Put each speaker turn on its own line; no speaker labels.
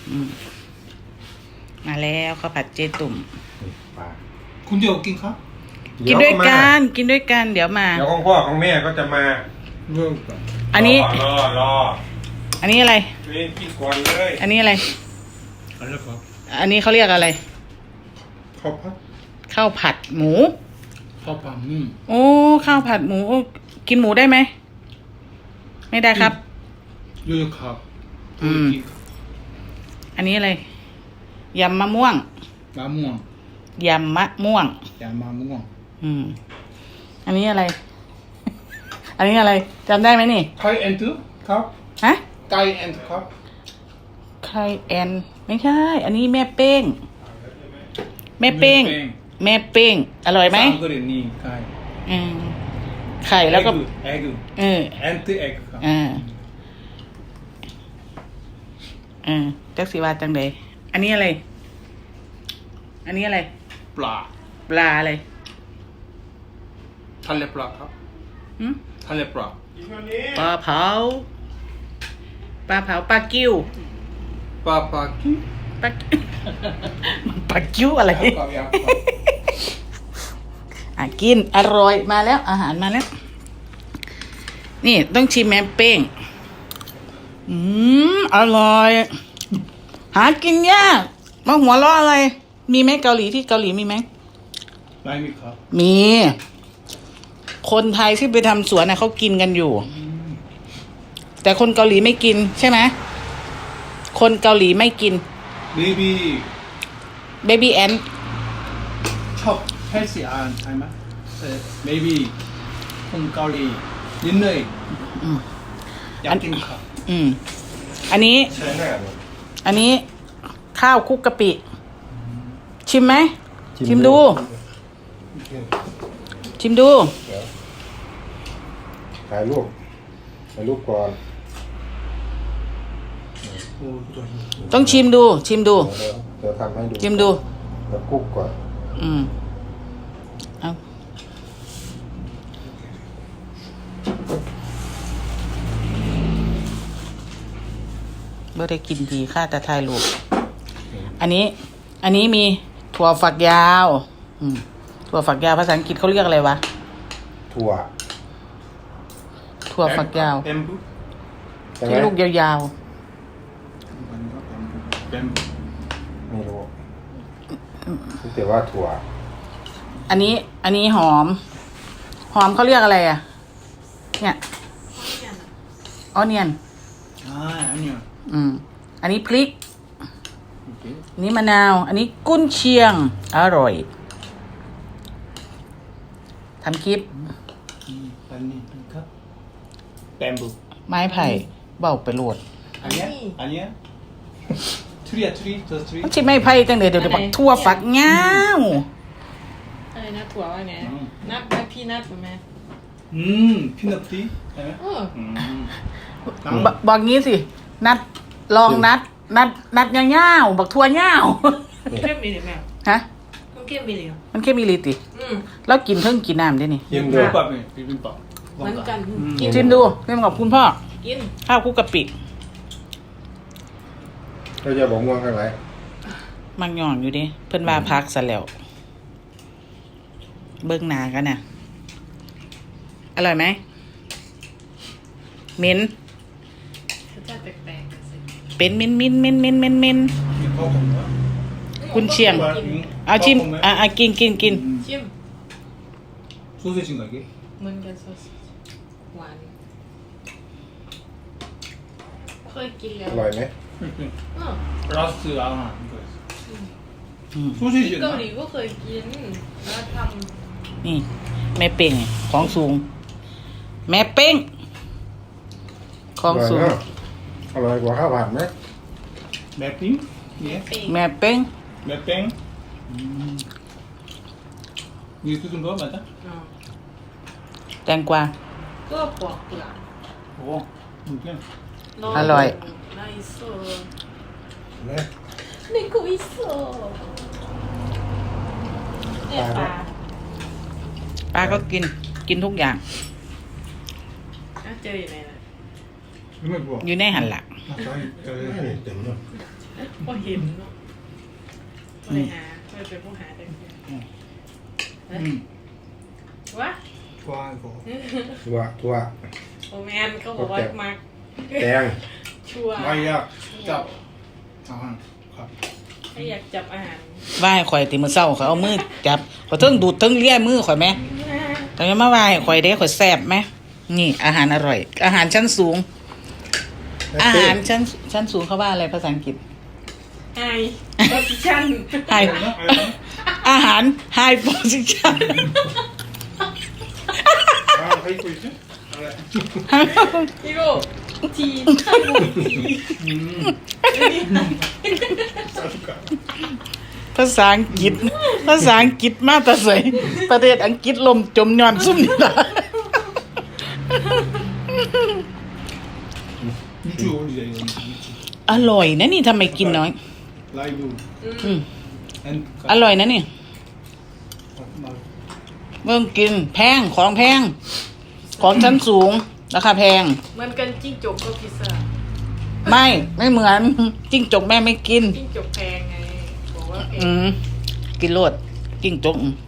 มาแล้วข้าวผัดเจตุ่ม
ปลา
คุณเดียวกินครับ
กินด้วยกันเดี๋ยวมา
เดี๋ยวของพ่อของแม่ก็จะมา
เริ่มก่อน
อันนี้
รอ
อันนี้อะไร
นี่กินก่อนเลย
อันนี้อะไร
อะไรครับ
อันนี้เขาเรียกอะไร
ข้าวผัด
ข้าวผัดหมู
ข้าวผัด
โอ้ข้าวผัดหมูโอ้กินหมูได้ไหมไม่ได้ครับ
เยอะครับ
อันนี้อะไรยำมะม่วง
มะม่วง
ยำมะม่วง
ยำมะม่วง
อันนี้อะไร อันนี้อะไรจำได้ไหมนี่
ไข่แอนด์ครับ
ฮะ
ไก่แอนด์ครับ
ไข่แอนไม่ใช่ อันนี้แม่เป้ง แม่เป้ง แม่เป้ง อร่อยไหม
สามกรณีไข่
ไข่แล้วก็
เอ็ก
เออ
แอนด์เอ็กครับ
จักสีวาจังเดยอันนี้อะไร อันนี้อะไร
ปลา
ปลาอะไร
ทะเลปลาครับทะเลปลา
ปลาเผา ปลากิ้ว
ปลากิ้ว
ปลา ปลากิ้วอะไร
ครับ
กินอร่อยมาแล้ว อาหารมาแล้ว นี่ต้องชิมแม่เป้ง อร่อย หากินยากมาหัวเราะอะไร มีไหมเกาหลีที่เกาหลีมีไหม
ไม่มีครับ
มี คนไทยที่ไปทำสวนน่ะเขากินกันอยู่ แต่คนเกาหลีไม่กินใช่ไหม คนเกาหลีไม่กิน
เบบี้
เบบี้แอน
ชอบเฮลซี่อาหารใช่ไหมเบบี้คนเกาหลีนิดหน่อยอยากกินครับ
อันนี้
ใช่แน่เลย
อันนี้ข้าวคลุกกะปิ ชิมไหม ชิมดู ชิมดู
ถ่ายรูปก่อน
ต้องชิมดู ชิมดู
เดี๋ยวทำให้ดู
ชิมดู
เดี๋ยวคลุกก่อน
เอาเมื่อได้กินดีค่าแต่ทายลูกอันนี้มีถั่วฝักยาวถั่วฝักยาวภาษาอังกฤษเขาเรียกอะไรวะ
ถั่ว
ถั่วฝักยาว
แบมบู
ใช่ไหม
ที่ลูกยาว
แบมบู
ไม่รู้แต่ว่าถั่ว
ๆอันนี้หอมเขาเรียกอะไรอ่ะ เนี่ยออเนียน
อันนี้
อันนี้พริก
โอเค
อันนี้มะนาว อันนี้กุ้นเชียง อร่อยทำคลิป
อันนี้ครับแบมบู
ไม้ไผ่เบาไปโหลด
อันนี้ทรี
มันชิไม้ไผ่จังเดี๋ยวบักทั่วฝักเงา
อะไรนะถั่วว่าไงนัทไหมพี่นัทถูกไหม
พีนัทตีใช่ไหม
บอกงี้สิ ลองนัดเงาๆบักทั่วเงา
เข้มมีหรือไม่
ฮะ
มันเข้มมีหรือ
มันแค่มีลิติแล้วกินเพิ่งกินน้ำได้นี่
ชิมดู
บิบิมบับบิบิมบับ
เหมือนกันกิน
ชิมดูเรื่องกับคุณพ่อ
กิน
ข้าวคลุกกะปิ
เราจะบอกม่วงข้างไหน
มันหย่อนอยู่ดิเพิ่นว่าพักซะแล้ว เบิ่งหนากันน่ะ อร่อยไหมเหม็น
รสชาติแปลกๆสิ
เป็นมิน
มีข้าวผมนะ
คุณเชียง เอาชิมกิน
ชิม
소세지인가 이게?
เหมือนกันซอสหวานเคยกินแล้ว
อร่อยไหม
라스트 아마 이거였어. 소시지
เกา
였나?
หลีก็เคยกินแล้วท
นี่ แม่เป้งของสูง แม่เป้งของสูง
อร่อยกว่าข้าวผัดไหม
맵핑?
ำ
예?
ปิ้ง
แม่เป้ง
맵뱅? 이게 뜯은 거 맞아?
แตงกวา
ก็ปอกเปลือก
오, 이게
อร่อย
น่าอิโซ
ไหม
นี่ก็อิโซเนี่ยปลา
ป้าก็กินทุกอย่าง
เจออยู่ไหนล่ะ
이거 뭐야?
อยู่ในหันหลัก
아, 저기,
เต็มเลย
พอเห็นเนาะพอได้หาพอเป็นผู้หาได้วะ
ว้าวก็
ทั่ว
โอแมนเขาบอกว่ามัก
แตง
ชัวร์
ไม่อยากจับอาหารครับ
ไม่อยากจับอาหาร
ว่าให้ข่อยติมื้อเช้าเขาเอามือจับข่อยเทิงดูดเทิงเลียมือข่อยแหมแต่มาว่าให้ข่อยเด้ข่อยแซ่บไหมนี่อาหารอร่อย อาหารชั้นสูง อาหารชั้นสูงเขาว่าอะไรภาษาอังกฤษ
ไฮโพซิชั่น
High อาหาร High position
ให้คุยสิอะไร
พี่โก้ทีข้าวหมูที
ภาษาอังกฤษ ภาษาอังกฤษมาแต่ใส่ประเทศอังกฤษลมจมย้อนซุ่มนี่ล่ะ
จูดีเลย
อร่อยนะนี่ทำไมกินน้อย
ไลบู
อืม
and
อร่อยนะนี่เบิ่งกินแพงของแพง ของชั้นสูงราคาแพง
เหมือนกันจิ้งจกก็พิซซ่า
ไม่เหมือนจิ้งจกแม่ไม่กิน
จิ้งจกแพงไงบอกว่าแพง
กินโลดจิ้งจก